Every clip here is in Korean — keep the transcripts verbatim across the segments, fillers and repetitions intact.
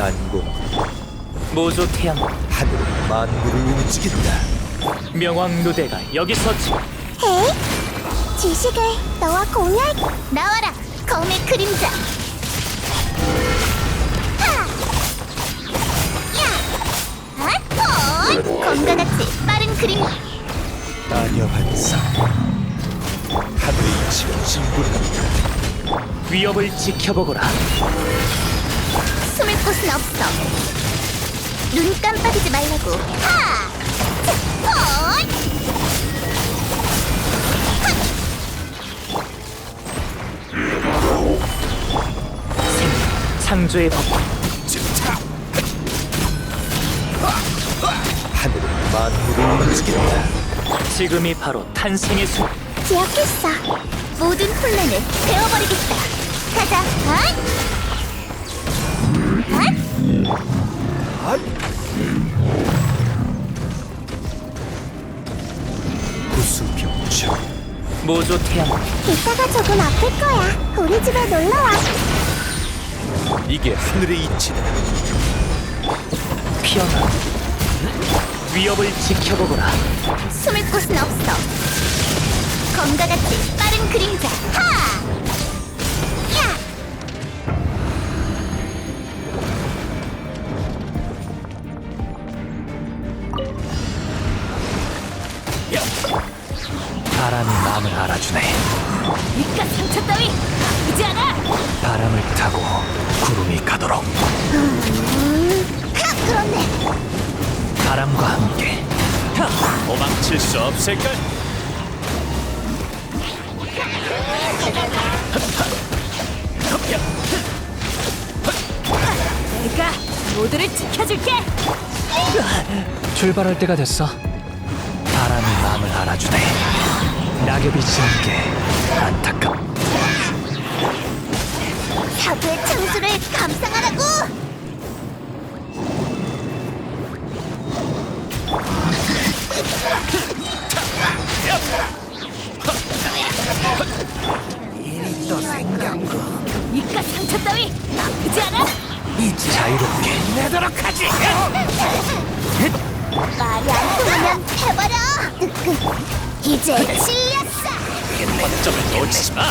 난공 모조 태양 하늘은 만물을 움직인다. 명왕 누대가 여기서 지... 헤이, 지식을 너와 공유할. 나와라, 검의 그림자. 하! 야! 아, 헐! 검과 같이 빠른 그림. 마녀 반사 하늘의 이치가 진군한다. 위협을 지켜보거라. 숨을 곳은 없어. 눈 깜빡이지 말라고. 하! 차! 헐! 생, 창조의 법 하늘은 만물을 움직인다. 지금이 바로 탄생의 순. 기억했어. 모든 혼란을 베어버리겠다. 가자. 헛! 헛! 구수병청 모조 태양 이따가 조금 아플 거야. 우리 집에 놀러와. 이게 하늘의 이치다. 피어나 위협을 지켜보거라. 숨을 곳은 없어. 검과 같이 빠른 그림자. 하! 야! 바람이 마음을 알아주네. 이깟 상처 따위 아프지 않아. 바람을 타고 구름이 가도록. 음... 하! 그렇네. 바람과 함께 도망칠 수 없을걸? 내가 모두를 지켜줄게. 출발할 때가 됐어. 바람이 마음을 알아주네. 낙엽이 지는 게 안타깝. 사부의 창수를 감상하라고. 또 생겼고 이깟 상처 따위 아프지 않아? 자유롭게 내도록 하지. 말이 안 통하면 해버려. 이제 질렸어. 점을 놓치지 마.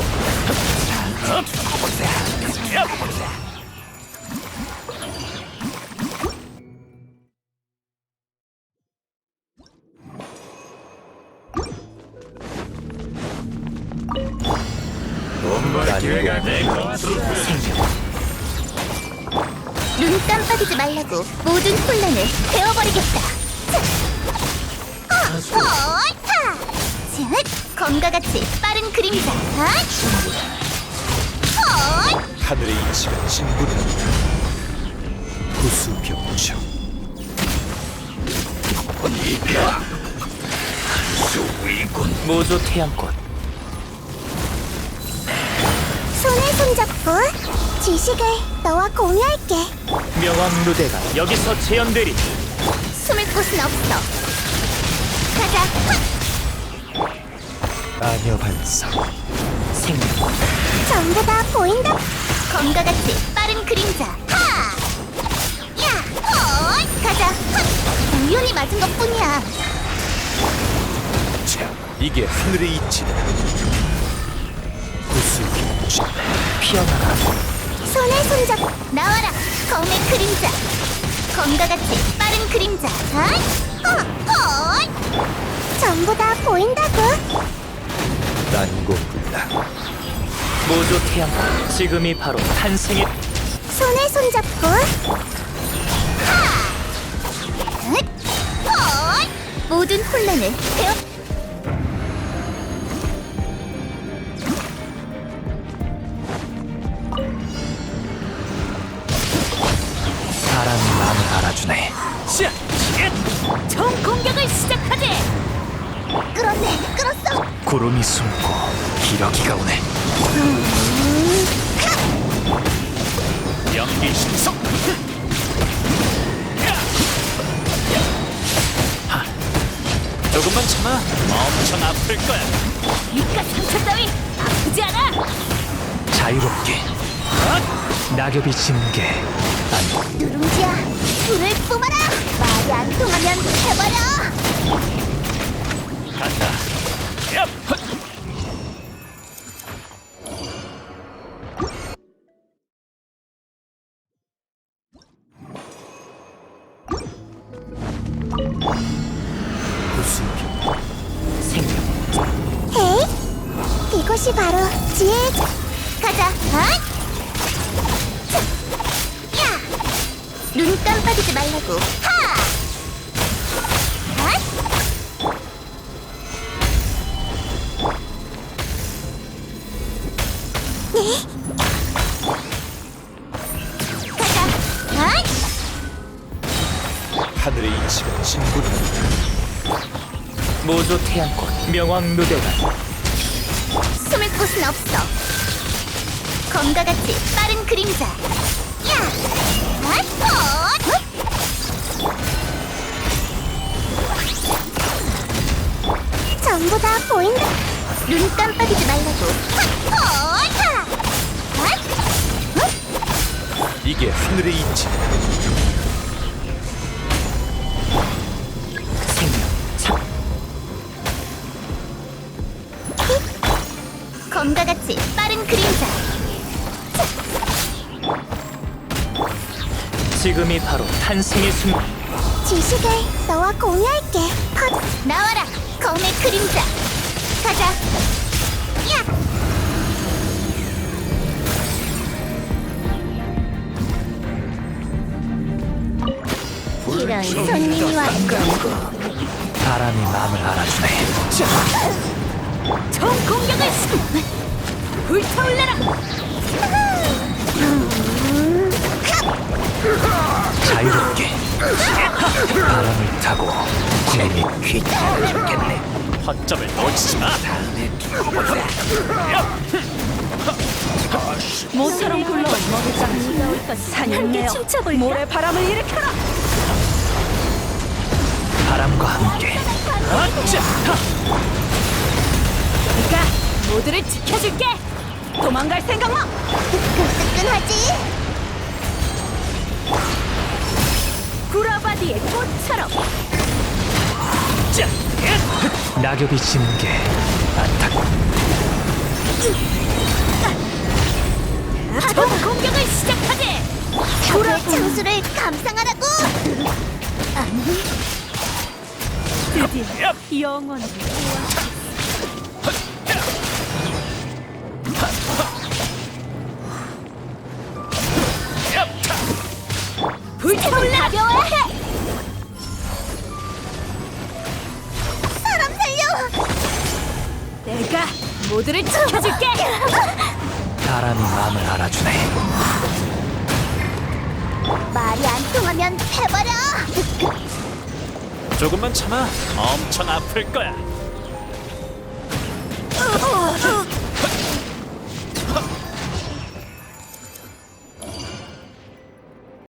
눈 깜빡이지 말라고. 모든 혼란을 베어버리겠다. 어, 헐! 타! 쯧! 검과 같이 빠른 그림자. 헛! 헐! 하늘의 이치가 진군한다. 구수병청 모조 태양꽃 손에 손잡고 지식을 너와 공유할게. 명왕 누대가 여기서 재현되리. 숨을 곳은 없어. 가자. 헛! 마녀 반사 생명 전부 다 보인다. 검과 같이 빠른 그림자. 하! 야! 헐! 가자. 헛! 우연히 맞은 것뿐이야. 자, 이게 하늘의 이치다. 구수병청 피어나라. 손에 손잡. 나와라. 검의 그림자. 검과 같이 빠른 그림자. 헛! 어! 헐! 전부 다 보인다고. 난공불락 모조 태양꽃 지금이 바로 탄생의 손에 손잡고. 하! 헛! 헐! 모든 혼란을 베어. 바람이 마음을 알아주네. 총 공격을 시작하지. 끌었네, 끌었어. 구름이 숨고 기러기가 오네. 연기 신속. 하, 조금만 참아. 엄청 아플 거야. 이깟 상처 따위 아프지 않아. 자유롭게. 아! 낙엽이 지는 게 안... 누룽지야, 불을 뿜어라. 말이 안 통하면 해버려. 간다. 얍! 헛! 생명. 헤이, 이것이 바로 지혜의 자- 가자. 어이? 자, 야, 눈 깜빡이지 말라고. 하. 어이? 네. 가자. 어이? 하늘의 이치가 진군한다. 모조 태양꽃 명왕누대가 숨을 곳은 없어. 검과 같이 빠른 그림자. 야, 어이? 헛! 전부 다 보인다. 눈 깜빡이지 말라고. 헛! 헛! 헛! 헛! 이게 하늘의 이치다. 생명. 참. 검과 같이 빠른 그림자. 지금이 바로 탄생의 순간. 지식을 너와 공유할게. 헛! 나와라, 검의 그림자. 가자. 야! 이런 손님이 왔군. 바람이 마음을 알아주네. 총 공격을 시 불타올라라. 자유롭게 바람을 타고 재미 귀찮아 죽겠네. 허점을 놓치지 마. 모처럼 굴러온 먹잇감이 사냥내어 모래 바람을 일으켜라. 바람과 함께 아차! 내가 모두를 지켜줄게. 도망갈 생각 마. 뜨끈뜨끈하지? 구라바디의 꽃처럼 낙엽이 지는 게 안타깝. 총 공격을 시작하지. 사고의 창수를 감상하라고. 드디어 영원히 불타올라. 가벼워야 해. 사람 살려. 내가 모두를 지켜줄게. 바람이 마음을 알아주네. 말이 안 통하면 해버려. 조금만 참아. 엄청 아플 거야. 어,